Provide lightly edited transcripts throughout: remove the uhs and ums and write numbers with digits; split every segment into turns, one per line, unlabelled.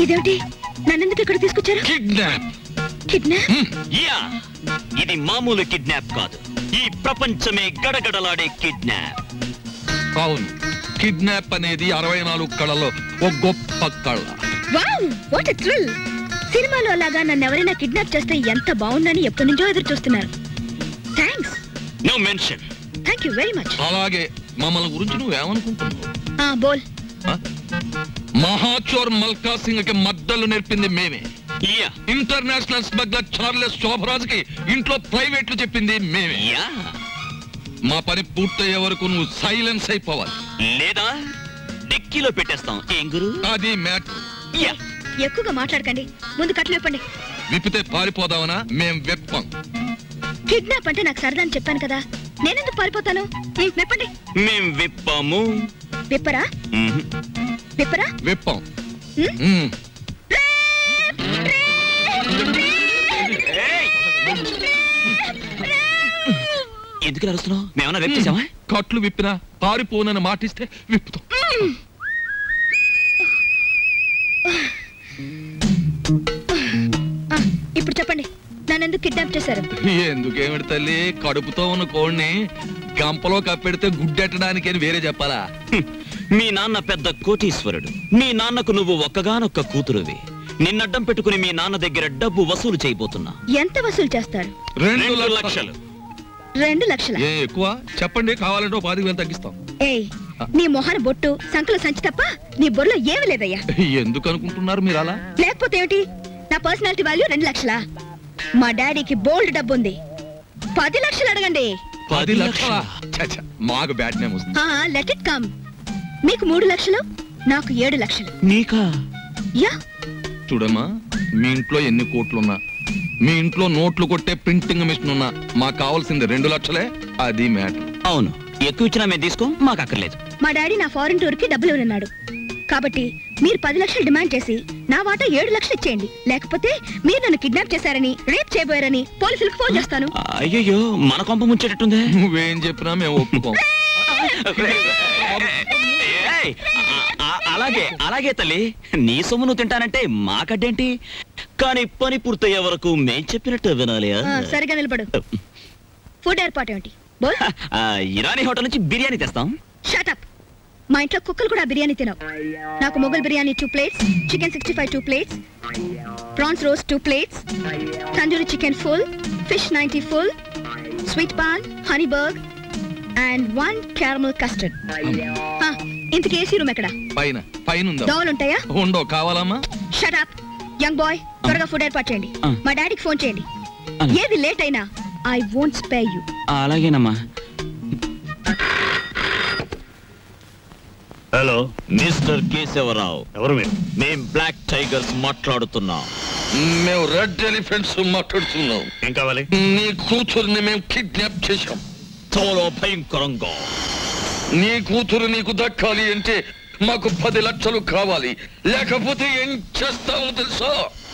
ఇదేమిటి నన్నెందుకు ఇక్కడ తీసుకొచ్చారు?
కిడ్నాప్.
కిడ్నాప్?
యా, ఇది మామూలు కిడ్నాప్ కాదు, ఈ ప్రపంచమే గడగడలాడే కిడ్నాప్.
అవును, కిడ్నాప్ అనేది 64 కళలో ఒక గొప్ప కళ.
Wow, what a thrill! సినిమాలో లాగా నన్ను ఎవరైనా కిడ్నాప్ చేస్తే ఎంత బాగుందని ఎప్పటి నుంచో ఎదురు చూస్తున్నారు. Thanks.
No mention.
Thank you very much.
అలాగే మమ్మల్ని గురించి నువ్వేమనుకుంటున్నావు?
బోల్.
మహాచోర్ మల్కా సింగ్ కి మద్దలు నేర్పింది మేమే.
Yeah,
international smuggler Charles Sobhraj కి ఇంట్లో ప్రైవేట్లు చెప్పింది మేమే.
యా.
మా పని పూర్తయ్యే వరకు నువ్వు సైలెన్స్ అయిపోవాలి,
లేదా డిక్కీలో పెట్టేస్తాం. ఏం గురు?
అది మ్యాటర్.
యా.
ఎక్కువగా మాట్లాడకండి, ముందు కట్లు విప్పండి.
విప్పితే పారిపోదామనా? మేం వెప్పం.
కిడ్నాప్ అంటే నాకు సరదా అని చెప్పాను కదా, నేనెందుకు పారిపోతాను? విప్పండి.
మేం విప్పాము.
విప్పరా? విప్పరా?
వెప్పం.
ఎందుకు అరుస్తున్నావు? మేమన్నా రేపు చేసామా?
కట్లు విప్పినా పారిపోనని మాటిస్తే విప్పుతాం.
ఇప్పుడు చెప్పండి, నన్నెందుకు కిడ్నాప్ చేశారు?
ఎందుకేమిటి తల్లి, కడుపుతో ఉన్న కోడిని గంపలో కప్పెడితే గుడ్డెట్టడానికి అని వేరే చెప్పాలా?
మీ నాన్న పెద్ద కోటీశ్వరుడు, మీ నాన్నకు నువ్వు ఒక్కగానొక్క కూతురువి. నిన్నడ్డం పెట్టుకుని మీ నాన్న దగ్గర డబ్బు వసూలు చేయబోతున్నా.
ఎంత వసూలు చేస్తారు?
2 లక్షలు.
2 లక్షల?
ఏ ఎక్కువ చెప్పండి, కావాలంటే 10,000 తగ్గిస్తాం.
ఏయ్, నీ మొహన బొట్టు సంకల సంచి తప్ప నీ బొర్రలో ఏమీ లేదయ్యా.
ఎందుకు అనుకుంటున్నారు మీరు అలా?
లేకపోతే ఏమిటి, నా పర్సనాలిటీ వాల్యూ 2 లక్షలా? మా డాడీకి బోల్డ్ డబ్బు ఉంది, 10 లక్షలు అడగండి.
10 లక్షలా? మాకు బ్యాడ్ నేమ్ వస్తుంది.
Let it come. మీకు 3 లక్షలు, నాకు 7 లక్షలు.
నీకా?
యా.
చూడమ్మా, మీ ఇంట్లో ఎన్ని కోట్లున్నా, మీ ఇంట్లో నోట్లు కొట్టే ప్రింటింగ్ మిషన్ ఉన్నా, మాకు కావాల్సింది 2 లక్షలే. అది మ్యాటర్.
అవును, ఎక్కువ ఇచ్చినా మేము తీసుకో, మాకు అక్కర్లేదు.
మా డాడీ నా ఫారెన్ టూర్ కి డబ్బులు ఇవ్వనున్నాడు, కాబట్టి మీరు 10 లక్షలు డిమాండ్ చేసి నా వాటా 7 లక్షలు ఇచ్చేయండి. లేకపోతే మీరు నన్ను కిడ్నాప్ చేశారని, రేప్ చేయబోయారని పోలీసులకు ఫోన్ చేస్తాను.
అయ్యో, మన కొంప ముంచేటట్టుందే.
నువ్వేం చెప్పినా మేము ఒప్పుకోం.
అలాగే అలాగే తల్లి, నీ సొమ్ము నువ్వు తింటానంటే మాకడ్డేంటి, కానీ పని పూర్తయ్యే వరకు మేం చెప్పినట్టు వినాలి.
సరిగా నిలబడు. ఫుడ్ ఏర్పాటు ఏమిటి? బోల్.
ఇరానీ హోటల్ నుంచి బిర్యానీ తెస్తాం.
Shut up. మా ఇంట్లో కుక్కలు కూడా బిర్యానీ తినవు. నాకు Mughal biryani 2 plates, chicken 65 2 plates, prawns roast 2 plates, tandoori chicken full, fish 90 full, sweet paan, honey burg and 1 caramel custard. ఇంతకీ ఏసీ రూమ్ ఎక్కడ?
పైన. పైన ఉందా?
దోవలు ఉంటాయా?
ఉండో. కావాలమ్మా?
షట్ అప్ యంగ్ బాయ్, త్వరగా ఫుడ్ ఏర్పాటు చేయండి. మా డాడీకి ఫోన్ చేయండి. ఏది లేట్ అయినా ఐ వోంట్ స్పేర్ యు.
అలాగేనమ్మా. Hello, mister Keshavarao.
ఎవరు మీరు?
మేం బ్లాక్ టైగర్స్ మాట్లాడుతున్నాం.
మేము రెడ్ ఎలిఫెంట్స్ మాట్లాడుతున్నాం.
ఏం కావాలి?
నీ కూతుర్ని మేము కిడ్నాప్ చేశాం.
చాలా భయంకరంగా.
నీ కూతురు నీకు దక్కాలి అంటే మాకు 10 లక్షలు కావాలి, లేకపోతే ఏం చేస్తావో తెలుసా?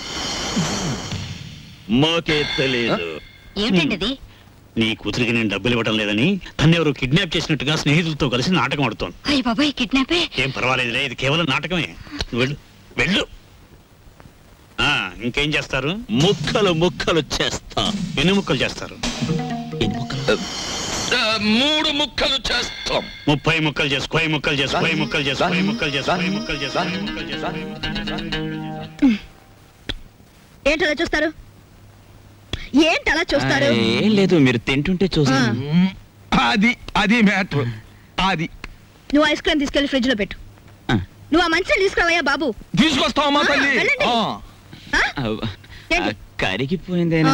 మాకే తెలియదు.
ఏమిటండి?
నీ కూతురికి నేను డబ్బులు ఇవ్వడం లేదని తను ఎవరు కిడ్నాప్ చేసినట్టుగా స్నేహితులతో కలిసి నాటకం ఆడుతోంది.
అయ్య బాబాయ్, కిడ్నాపే?
ఏం పర్వాలేదులే, ఇది కేవలం నాటకమే. వెళ్ళు వెళ్ళు. ఇంకేం చేస్తారు?
ముక్కలు ముక్కలు చేస్తా.
ఎన్ని ముక్కలు చేస్తారు?
3 ముక్కలు చేస్తాం.
30 ముక్కలు చేసు. 10 ముక్కలు చేసు. 10 ముక్కలు చేసు. 10 ముక్కలు చేసు. 10 ముక్కలు చేసు. 10 ముక్కలు చేసు.
ఏంటలా చూస్తారు? ఏంటలా చూస్తారు?
ఏం లేదు, మీరు తింటుంటే చూసాను.
అది మ్యాటర్. అది
నువ్వు ఐస్ క్రీమ్ తీసుకెళ్లి ఫ్రిడ్జ్ లో పెట్టు. నువ్వు ఆ మంచిని తీసుకురావయ్యా బాబు.
తీసుకొస్తావమ్మా తల్లి.
వెళ్ళండి. ఏంటి?
కరిగిపోయిందేనా?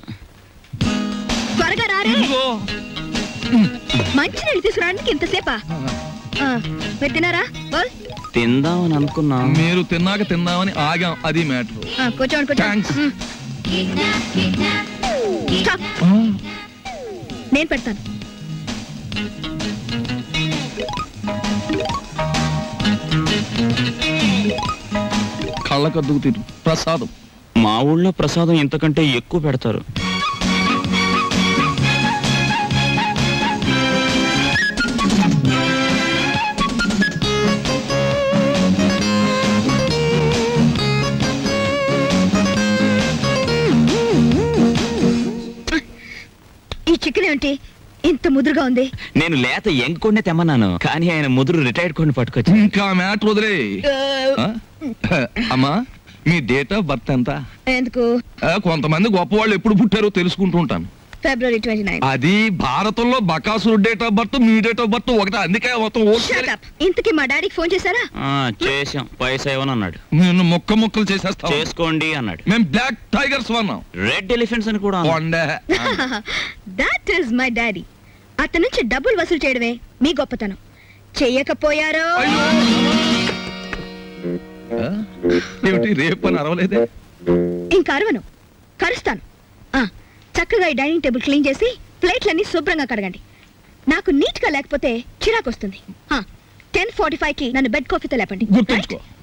త్వరగా రారే. మంచి నీళ్ళు తీసుకురావడానికి ఇంతసేపా? మీరు తిన్నారా? బోల్.
తిందామని అనుకున్నా.
మీరు తిన్నాక తిందామని ఆగాం. అది మ్యాటర్.
కూర్చోండి
థాంక్స్.
నేను పెడతాను.
కళ్ళకద్దుకు తిరు ప్రసాదం.
మా ఊళ్ళో ప్రసాదం ఇంతకంటే ఎక్కువ పెడతారు.
ఏమిటి ఇంత ముదురుగా ఉంది?
నేను లేత ఎంకొండే తెమ్మన్నాను, కానీ ఆయన ముదురు రిటైర్డ్ కొన్ని పట్టుకొచ్చి.
ఇంకా మ్యాటర్ వదిలే. అమ్మా మీ డేట్ ఆఫ్ బర్త్ ఎంత?
ఎందుకు?
కొంతమంది గొప్ప వాళ్ళు ఎప్పుడు పుట్టారో తెలుసుకుంటూ ఉంటాను.
February 29.
అది భారతంలో బకాసురు డేట్ ఆఫ్ బర్త్, మీ డేట్ ఆఫ్ బర్త్ ఒకటే, అందుకే మొత్తం
Shut up. ఇంతకీ మా డాడీకి ఫోన్ చేశారా?
చేసాం, పైసా ఇవ్వను అన్నాడు.
నిన్ను ముక్కలు చేసేస్తాం.
చేసుకోండి అన్నాడు.
మేము బ్లాక్ టైగర్స్ వన్నాం.
రెడ్ ఎలిఫెంట్స్ అని కూడా అన్నాడు.
That is my daddy. అతని నుంచి డబ్బులు వసూలు చేయడమే మీ గొప్పతనం. చెయ్యకపోయారో
ఏమిటి రేపు అని అరవలేదే?
ఇంకా అరవను, కరుస్తాను. చక్కగా ఈ డైనింగ్ టేబుల్ క్లీన్ చేసి ప్లేట్లన్నీ శుభ్రంగా కడగండి. నాకు నీట్ గా లేకపోతే చిరాకు వస్తుంది. 10:45కి నన్ను బెడ్ కాఫీతో లేపండి.
గుర్తుంచుకో.